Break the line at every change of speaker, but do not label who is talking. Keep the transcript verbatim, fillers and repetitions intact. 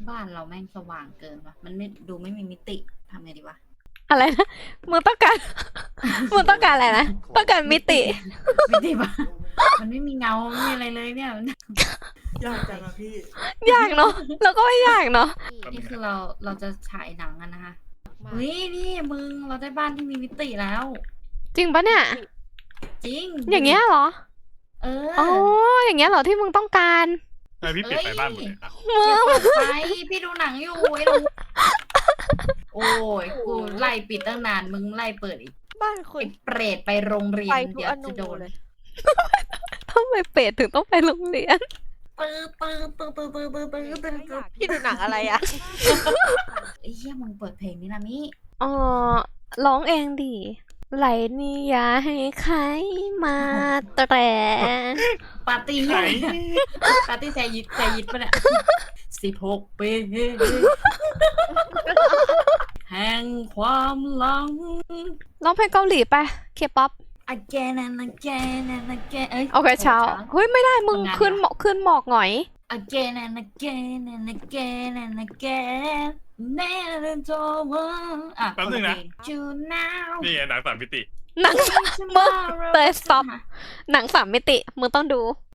บ้านเราแม่งสว่างเกินวะมันไม่ดูไม่มีมิติทำไงดีวะ
อะไรนะมึงต้องการ มึงต้องการอะไรนะต้องการมิติ
มิติปะมันไม่มีเงาไม่มีอะไรเลยเนี่ย
ยากจังอะพี่
ยากเนาะแล้วก็ไม่ยากเนาะ
นี่คือเราเราจะฉายหนังกันนะคะเฮ้ยนี่มึงเราได้บ้านที่มีมิติแล้ว
จริงปะเนี่ย
จริง
อย่างเงี้ยเหรอ
เออ
อ๋ออย่างเงี้ยเหรอที่มึงต้องการ
ทำไมพี่ปิดไฟบ้านหมดเลยครับ
อย่าเปิดไฟพี่ดูหนังอยู่ไอ้หนูโอ้ยกูไล่ปิดตั้งนานมึงไล่เปิดอีก
บ้านคุ
ไอ้
ณ
เปรตไปโรงเรีย
ไฟ
น
ทุก
เดี๋ยว
อนู
จะโดน
เลย
ทำไมเป็ดถึงต้องไปโรงเรียน
ตื้อตื้อตื้อตื้อตื้อตื้อตื้อตื้อตื้อ
พี่ดูหนังอะไรอะ
ไอ้เหี้ยมึงเปิดเพลงนี้นะมิ
อ๋อร้องเองดิไหลนี่อย่าให้ใครมาแตะ
ปาร์ตี้ใหญ่ปาร์ตี้แซยิดแซยิดปะเนี่ยสิบหกปีแห่งความหลัง
ร้องเพลงเกาหลีไปเคป๊อป
again and again and again เอ้ย
โอเคเช้าเฮ้ยไม่ได้มึง
ทำงาน
ขึ้นหมอกขึ้นหมอกหน่อย
again and again and again and again never over อ่ะ
แป๊บนึงนะ
you now
นี่ไงหนังสามมิติ
หนัง
tomorrow
เตย stop หนังสามมิติมึงต้องดู